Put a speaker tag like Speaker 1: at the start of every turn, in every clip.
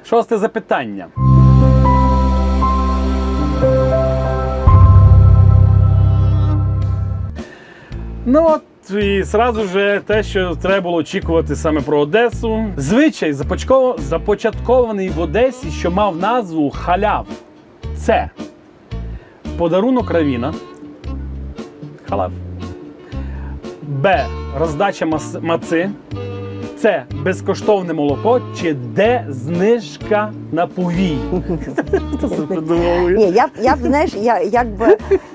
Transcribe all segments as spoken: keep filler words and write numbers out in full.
Speaker 1: Шосте запитання. Ну от і зразу ж те, що треба було очікувати саме про Одесу. Звичай започаткований в Одесі, що мав назву халяв. Це подарунок равіна. Халав. Б. Роздача маци. Це безкоштовне молоко, чи Д. Знижка на повій. Хто це придумав?
Speaker 2: Ні, я б, я б, знаєш, я, якби...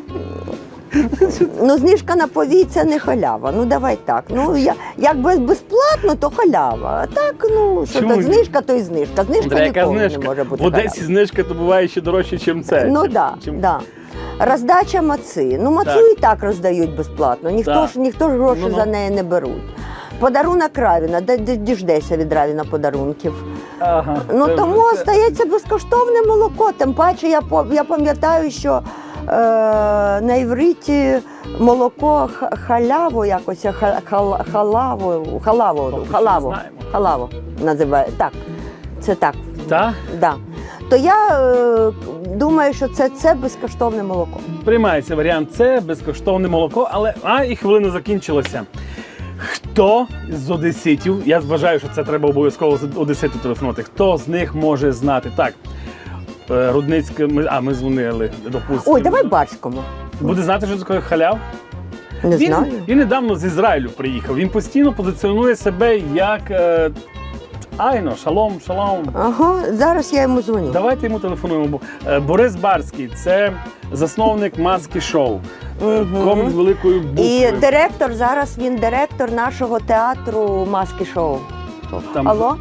Speaker 2: Ну, знижка на повій – це не халява. Ну, давай так. Ну, я, якби безплатно, то халява. А так, ну, що
Speaker 1: Чому?
Speaker 2: то знижка, то й знижка. Знижка
Speaker 1: Андрій, яка
Speaker 2: ніколи
Speaker 1: знижка?
Speaker 2: не може бути
Speaker 1: В Одесі
Speaker 2: халява.
Speaker 1: знижка то буває ще дорожче, ніж це.
Speaker 2: Ну,
Speaker 1: Чим-
Speaker 2: так,
Speaker 1: чим-
Speaker 2: да, да. Роздача маци. Ну, мацу
Speaker 1: Так.
Speaker 2: і так роздають безплатно. Ніхто
Speaker 1: Так.
Speaker 2: ж, ніхто ж гроші
Speaker 1: Ну-ну.
Speaker 2: за неї не беруть. Подарунок Равіна. Де, де діждеся від Равіна подарунків?
Speaker 1: Ага.
Speaker 2: Ну,
Speaker 1: Це-
Speaker 2: тому
Speaker 1: це-
Speaker 2: стається безкоштовне молоко. Тим паче, я, по- я пам'ятаю, що е, на івриті молоко х- халяву якось, ха- хал- халаву, халаву,
Speaker 1: Тобто, що
Speaker 2: халаву,
Speaker 1: не знаємо.
Speaker 2: халаву називає. Так, це так.
Speaker 1: Так?
Speaker 2: Да. То я е, думаю, що це, це безкоштовне молоко.
Speaker 1: Приймається варіант С, безкоштовне молоко, але а і хвилина закінчилася. Хто з одеситів, я вважаю, що це треба обов'язково з одеситу телефонувати, хто з них може знати? Так, е, Рудницька, ми, а ми дзвонили, допустимо.
Speaker 2: Ой, давай Барському.
Speaker 1: Буде знати, що таке халяв?
Speaker 2: Не
Speaker 1: Він,
Speaker 2: знаю.
Speaker 1: він недавно з Ізраїлю приїхав, він постійно позиціонує себе як е, айно, шалом, шалом.
Speaker 2: Ага, зараз я йому дзвоню.
Speaker 1: Давайте йому телефонуємо. Бо, е, Борис Барський – це засновник Маски Шоу.
Speaker 2: Мгм.
Speaker 1: Комік з великої букви.
Speaker 2: І директор, зараз він директор нашого театру Маски Шоу.
Speaker 1: Там-
Speaker 2: Алло?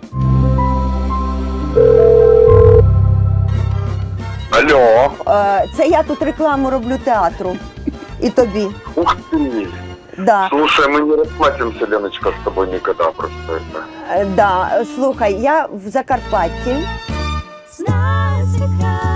Speaker 3: Алло.
Speaker 2: Е, Це я тут рекламу роблю театру. І тобі.
Speaker 3: Ух ты.
Speaker 2: Да.
Speaker 3: Слушай, мы не расплатимся, Леночка, с тобой никогда просто это.
Speaker 2: Е, Да. Слухай, я в Закарпатті.
Speaker 4: Знаю свій край.